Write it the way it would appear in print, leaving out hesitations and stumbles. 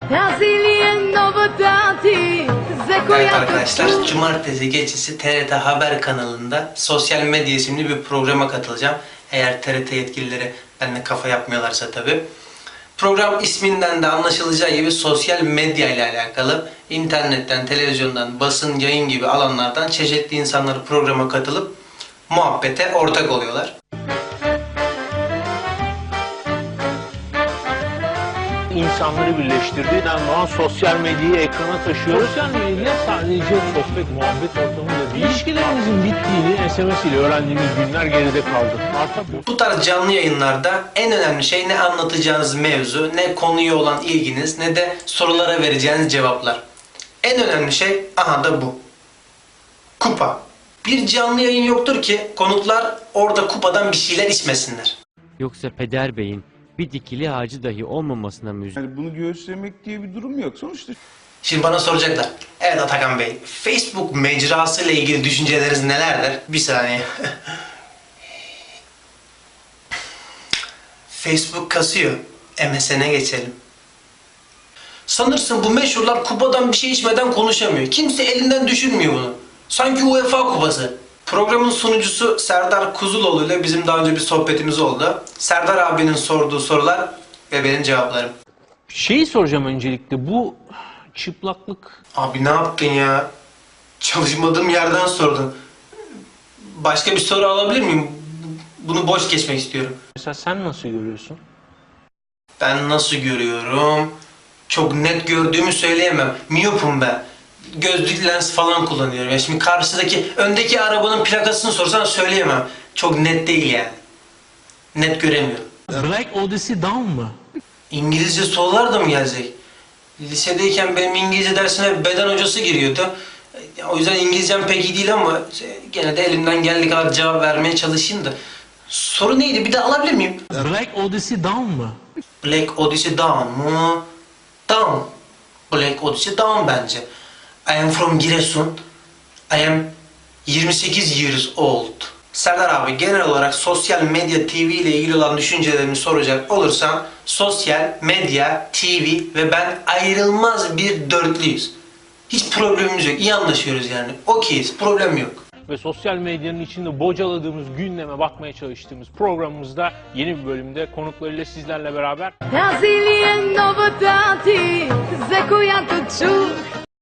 Evet arkadaşlar, cumartesi gecesi TRT Haber kanalında Sosyal Medya isimli bir programa katılacağım. Eğer TRT yetkilileri benimle kafa yapmıyorlarsa tabii. Program isminden de anlaşılacağı gibi sosyal medya ile alakalı internetten, televizyondan, basın, yayın gibi alanlardan çeşitli insanlar programa katılıp muhabbete ortak oluyorlar. İnsanları birleştirdiğinden doğan sosyal medyayı ekrana taşıyoruz. Sosyal medya sadece sohbet, muhabbet ortamında değil. İlişkilerimizin bittiğini SMS ile öğrendiğimiz günler geride kaldı. Artık Bu tarz canlı yayınlarda en önemli şey ne anlatacağınız mevzu, ne konuya olan ilginiz, ne de sorulara vereceğiniz cevaplar. En önemli şey aha da bu. Kupa. Bir canlı yayın yoktur ki konuklar orada kupadan bir şeyler içmesinler. Yoksa Peder Bey'in bir dikili ağacı dahi olmamasına mı üzüldün? Yani bunu göğüslemek diye bir durum yok. Sonuçta Şimdi bana soracaklar. Evet Atakan Bey, Facebook mecrası ile ilgili düşünceleriniz nelerdir? Bir saniye. Facebook kasıyor. MSN'e geçelim. Sanırsın bu meşhurlar kupadan bir şey içmeden konuşamıyor. Kimse elinden düşürmüyor bunu. Sanki UEFA kupası. Programın sunucusu Serdar Kuzuloğlu ile bizim daha önce bir sohbetimiz oldu. Serdar abinin sorduğu sorular ve benim cevaplarım. şeyi soracağım öncelikle, bu çıplaklık Abi ne yaptın ya? Çalışmadığım yerden sordun. Başka bir soru alabilir miyim? Bunu boş geçmek istiyorum. mesela sen nasıl görüyorsun? Ben nasıl görüyorum? Çok net gördüğümü söyleyemem. Miyopum ben. Gözlük lens falan kullanıyorum. Ya şimdi öndeki arabanın plakasını sorsan söyleyemem. Çok net değil yani. Net göremiyorum. Black Odyssey Down mı? İngilizce sorular da mı gelecek? Lisedeyken benim İngilizce dersine beden hocası giriyordu. O yüzden İngilizcem pek iyi değil ama gene de elimden geldiği kadar cevap vermeye çalışayım da. Soru neydi? Bir de alabilir miyim? Black Odyssey Down mı? Black Odyssey Down mu? Down. Black Odyssey Down bence. I am from Giresun. I am 28 years old. Serdar abi, genel olarak sosyal medya TV ile ilgili olan düşüncelerimi soracak olursam sosyal medya, TV ve ben ayrılmaz bir dörtlüyüz. Hiç problemimiz yok. İyi anlaşıyoruz yani. Okeyiz. Problem yok. Ve sosyal medyanın içinde bocaladığımız gündeme bakmaya çalıştığımız programımızda yeni bir bölümde konuklarıyla sizlerle beraber Nazili novotati, za koja to čuh